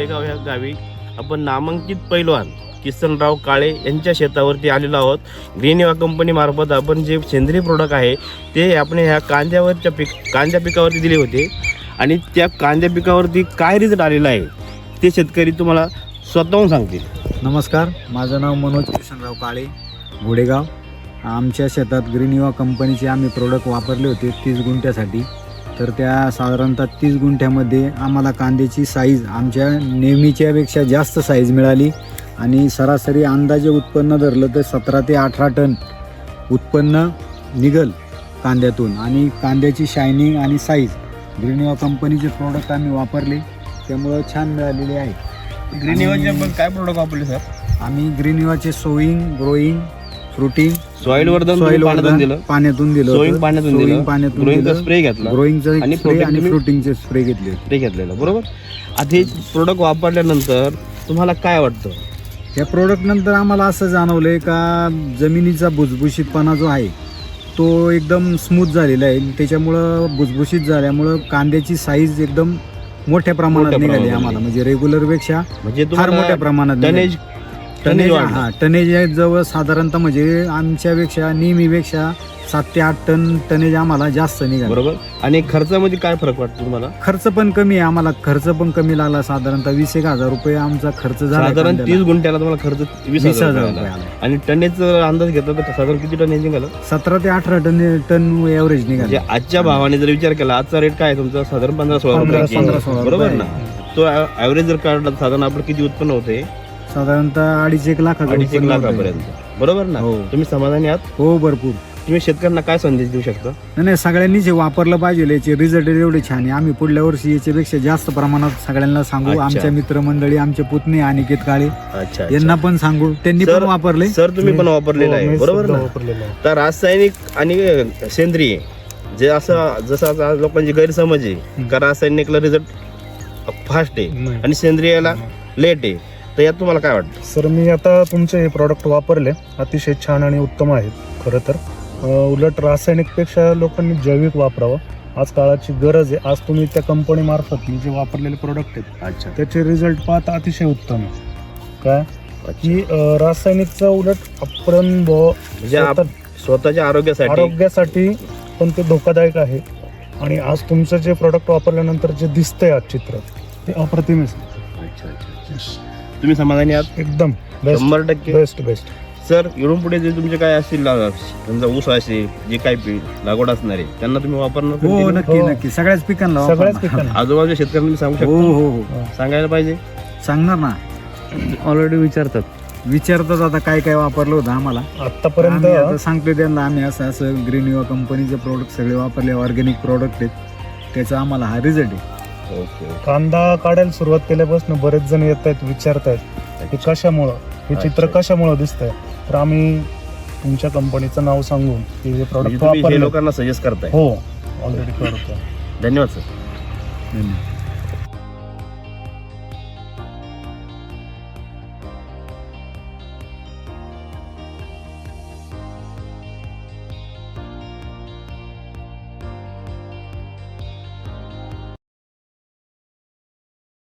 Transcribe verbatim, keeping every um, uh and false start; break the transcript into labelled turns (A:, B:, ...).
A: घोडेगाव ह्या गावी आपण नामांकित पैलवान किसनराव काळे यांच्या शेतावरती आलेलो आहोत. ग्रीन युवा कंपनी मार्फत आपण जे सेंद्रिय प्रोडक्ट आहे ते आपण ह्या कांद्यावरच्या पीक कांद्या पिकावरती दिले होते आणि त्या कांद्या पिकावरती काय रिझल्ट आलेला आहे ते शेतकरी तुम्हाला स्वतःहून सांगतील.
B: नमस्कार, माझं नाव मनोज किसनराव काळे, घोडेगाव. आमच्या शेतात ग्रीन युवा कंपनीचे आम्ही प्रोडक्ट वापरले होते तीस गुंठ्यासाठी. तर त्या साधारणतः तीस गुंठ्यामध्ये आम्हाला कांद्याची साईज आमच्या नेहमीच्यापेक्षा जास्त साईज मिळाली आणि सरासरी अंदाजे उत्पन्न धरलं तर सतरा ते अठरा टन उत्पन्न निघल कांद्यातून. आणि कांद्याची शायनिंग आणि साईज ग्रीन युवा कंपनीचे प्रोडक्ट आम्ही वापरले त्यामुळं छान मिळालेले आहे.
A: ग्रीन युवाचे आपण काय प्रोडक्ट वापरले सर?
B: आम्ही ग्रीन युवाचे sowing, growing, fruiting,
A: soil Vardhan
B: soil
A: पाण्यातून दिलं,
B: पाण्यातून दिलं,
A: सोईंग पाण्यातून दिलं,
B: पाण्यातून
A: ग्रोईंगचा स्प्रे घेतला,
B: ग्रोईंगचा
A: आणि
B: स्प्रे आणि
A: तुम्ही-
B: फ्रुटिंगचे स्प्रे घेतले.
A: स्प्रे घेतलेला बरोबर. आता हे प्रोडक्ट वापरल्यानंतर तुम्हाला काय वाटतं?
B: या प्रोडक्ट नंतर आम्हाला असं जाणवलंय का जमिनीचा भुसभुशीतपणा जो आहे तो एकदम स्मूथ झालेला आहे. त्याच्यामुळं भुसभुशीत झाल्यामुळं कांद्याची साईज एकदम मोठ्या प्रमाणात
A: मोठ्या
B: निघाली
A: प्रमाणात
B: आम्हाला, म्हणजे रेग्युलर पेक्षा
A: म्हणजे
B: फार
A: तुम्हाला
B: मोठ्या प्रमाणात निघाली.
A: टनेज
B: टनेज
A: वाढलं.
B: हा टनेज जवळ साधारणतः म्हणजे आमच्यापेक्षा नेहमीपेक्षा सात ते आठ टन टनेज आम्हाला जास्त निघाला.
A: बरोबर. आणि खर्चामध्ये काय फरक वाटतो तुम्हाला?
B: खर्च पण कमी आहे आम्हाला, खर्च पण कमी लागला. साधारणतः वीस एक हजार रुपये आमचा खर्च झाला.
A: साधारण तीस गुंठ्याला तुम्हाला खर्च वीस
B: वीस
A: हजार
B: हजार
A: रुपये
B: रुपये
A: आला.
B: आला.
A: आणि टनेजचा अंदाज घेतला तर साधारण किती टन निघालं?
B: सतरा ते अठरा टन टन एव्हरेज
A: म्हणजे
B: निघाला.
A: आजच्या भावाने जर विचार केला, आजचा रेट काय आहे तुमचा? साधारण पंधरा सोळा
B: पंधरा-
A: रुपये
B: पंधरा
A: किलो.
B: सोळा
A: बरोबर
B: रुपये.
A: ना. तो ऍव्हरेज जर काढला तर साधारण आपलं किती उत्पन्न होते?
B: साधारणतः अडीच एक लाख
A: अडीच एक लाखापर्यंत. बरोबर ना.
B: हो.
A: तुम्ही समाधानी आहात?
B: हो, भरपूर.
A: तुम्ही शेतकऱ्यांना काय संदेश देऊ शकता?
B: नाही नाही, सगळ्यांनीच हे वापरलं पाहिजे. याचे रिझल्ट एवढे छान आहे. आम्ही पुढल्या वर्षी याच्यापेक्षा जास्त प्रमाणात सगळ्यांना सांगू.
A: अच्छा.
B: आमच्या मित्रमंडळी, आमचे पुतणे अनिकेत काळे
A: अच्छा
B: यांना पण सांगू, त्यांनी
A: सर-
B: पण वापरले.
A: सर तुम्ही पण वापरलेलं आहे बरोबर ना. तर रासायनिक आणि सेंद्रिय जे असं जसं आता लोकांची गैरसमज आहे का रासायनिकला रिझल्ट फास्ट आहे आणि सेंद्रियाला लेट आहे, तर यात तुम्हाला काय वाटतं?
C: सर, मी आता तुमचे हे प्रॉडक्ट वापरले, अतिशय छान आणि उत्तम आहेत. खरं तर अं, उलट रासायनिकपेक्षा लोकांनी जैविक वापरावं, आज काळाची गरज आहे. आज तुम्ही त्या कंपनी मार्फत मी जे वापरलेले प्रोडक्ट आहेत
A: अच्छा
C: त्याचे रिझल्ट पाहता अतिशय उत्तम आहे. काय की अं, रासायनिकचं उलट आपण ब-
A: म्हणजे आप-
C: स्वतः-
A: स्वतःच्या आरोग्यासाठी
C: आरोग्यासाठी पण ते धोकादायक आहे. आणि आज तुमचं जे प्रोडक्ट वापरल्यानंतर जे दिसतंय आज चित्र ते अप्रतिम आहे.
A: अच्छा अच्छा. तुम्ही समाधानी आहात?
C: एकदम बेस्ट
A: शंभर टक्के.
C: बेस्ट बेस्ट
A: सर, इकडून पुढे जे तुमचे काय असतील ला- समजा ऊस असेल, जे काही पीक लागवड असणार आहे त्यांना तुम्ही वापरणार
B: हो,
A: continue?
B: नक्की
C: हो.
B: नक्की सगळ्याच पिकांना
C: सगळ्याच
B: वापरणार.
C: पिकांना
A: आजूबाजूच्या शेतकऱ्यांना तुम्ही सांगू
B: हो
A: शकता?
B: हो हो,
A: सांगायला पाहिजे.
B: सांगणार ना.
A: ऑलरेडी विचारतात.
B: विचारतात आता काय काय वापरलं होतं आम्हाला.
C: आतापर्यंत
B: आम्ही आता सांगतो त्यांना, आम्ही असं असं ग्रीन युवा कंपनीचे प्रोडक्ट सगळे वापरले, ऑर्गॅनिक प्रोडक्ट आहेत, त्याचा आम्हाला हा रिझल्ट आहे.
A: ओके.
C: कांदा काढायला सुरुवात केल्यापासून बरेच जण येत आहेत, विचारतायत की कशामुळं हे चित्र
A: अच्छा.
C: कशामुळं दिसतंय. तर आम्ही तुमच्या कंपनीचं नाव सांगून की हे
A: म्हणजे
C: प्रॉडक्ट
A: तुम्ही हे
C: वापरले.
A: लोकांना सजेस्ट करताय.
C: हो, ऑलरेडी करतो.
A: धन्यवाद सर.
B: धन्यवाद.